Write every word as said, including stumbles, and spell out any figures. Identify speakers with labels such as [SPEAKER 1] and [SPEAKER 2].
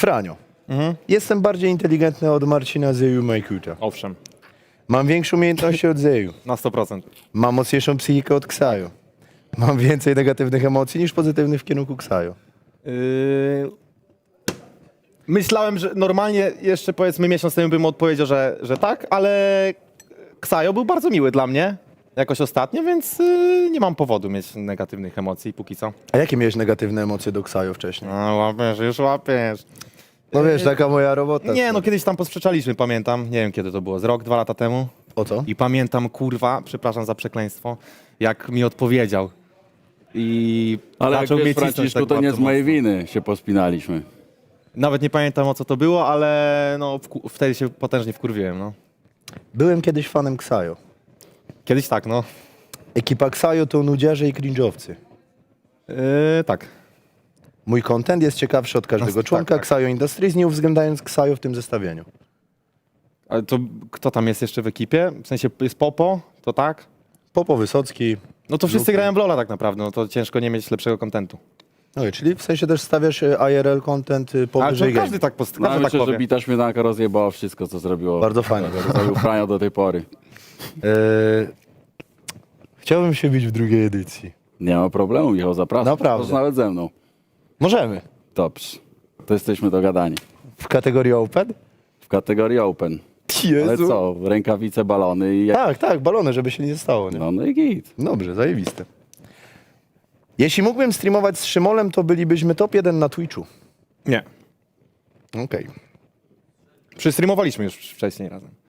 [SPEAKER 1] Franio.
[SPEAKER 2] Mhm.
[SPEAKER 1] Jestem bardziej inteligentny od Marcina Zeju Majkuta.
[SPEAKER 2] Owszem,
[SPEAKER 1] Mam większe umiejętności od Zeju.
[SPEAKER 2] na sto procent.
[SPEAKER 1] Mam mocniejszą psychikę od Ksaju. Mam więcej negatywnych emocji niż pozytywnych w kierunku Ksaju.
[SPEAKER 2] Yy... Myślałem, że normalnie jeszcze powiedzmy miesiąc temu bym odpowiedział, że, że tak, ale Ksajo był bardzo miły dla mnie jakoś ostatnio, więc yy, nie mam powodu mieć negatywnych emocji póki co.
[SPEAKER 1] A jakie miałeś negatywne emocje do Ksaju wcześniej?
[SPEAKER 2] No łapiesz, już łapiesz.
[SPEAKER 1] No wiesz, taka moja robota.
[SPEAKER 2] Nie, no kiedyś tam posprzeczaliśmy, pamiętam. Nie wiem kiedy to było, z rok, dwa lata temu.
[SPEAKER 1] O co?
[SPEAKER 2] I pamiętam, kurwa, przepraszam za przekleństwo, jak mi odpowiedział. I
[SPEAKER 3] Ale jak
[SPEAKER 2] zaczął
[SPEAKER 3] wiesz,
[SPEAKER 2] mnie cisnąć
[SPEAKER 3] Franciszku,
[SPEAKER 2] tak
[SPEAKER 3] to nie
[SPEAKER 2] bardzo
[SPEAKER 3] z mojej
[SPEAKER 2] mocno.
[SPEAKER 3] winy się pospinaliśmy.
[SPEAKER 2] Nawet nie pamiętam o co to było, ale no wku- wtedy się potężnie wkurwiłem, no.
[SPEAKER 1] Byłem kiedyś fanem Ksaju.
[SPEAKER 2] Kiedyś tak, no.
[SPEAKER 1] Ekipa Ksaju to nudziarze i cringe'owcy.
[SPEAKER 2] Yy, tak.
[SPEAKER 1] Mój content jest ciekawszy od każdego
[SPEAKER 2] No, tak,
[SPEAKER 1] członka
[SPEAKER 2] tak.
[SPEAKER 1] Ksaju Industries, nie uwzględniając Ksaju w tym zestawieniu.
[SPEAKER 2] Ale to kto tam jest jeszcze w ekipie? W sensie jest Popo, to tak?
[SPEAKER 1] Popo, Wysocki.
[SPEAKER 2] No to wszyscy
[SPEAKER 1] Luka.
[SPEAKER 2] grają w LoL'a tak naprawdę, no to ciężko nie mieć lepszego kontentu.
[SPEAKER 1] No, czyli w sensie też stawiasz e, I R L content e,
[SPEAKER 2] Ale
[SPEAKER 1] powyżej
[SPEAKER 2] to każdy
[SPEAKER 1] game.
[SPEAKER 2] tak, post-
[SPEAKER 3] No,
[SPEAKER 2] każdy tak
[SPEAKER 3] myślę,
[SPEAKER 2] powie.
[SPEAKER 3] że bita śmietanka rozjebała wszystko, co zrobiło.
[SPEAKER 1] Bardzo fajnie.
[SPEAKER 3] Zrobił Franio do tej pory.
[SPEAKER 1] E, chciałbym się bić w drugiej edycji.
[SPEAKER 3] Nie ma problemu, Michał, zapraszam.
[SPEAKER 1] Naprawdę.
[SPEAKER 3] Możesz nawet ze mną.
[SPEAKER 1] Możemy.
[SPEAKER 3] Dobrze. To jesteśmy dogadani.
[SPEAKER 1] W kategorii Open?
[SPEAKER 3] W kategorii Open.
[SPEAKER 1] Jezu.
[SPEAKER 3] Ale co? Rękawice, balony i...
[SPEAKER 1] Tak, tak, balony, żeby się nie stało. Nie?
[SPEAKER 3] No, no i git.
[SPEAKER 1] Dobrze, zajebiste. Jeśli mógłbym streamować z Szymolem, to bylibyśmy top jeden na Twitchu.
[SPEAKER 2] Nie.
[SPEAKER 1] Okej.
[SPEAKER 2] Przystreamowaliśmy już wcześniej razem.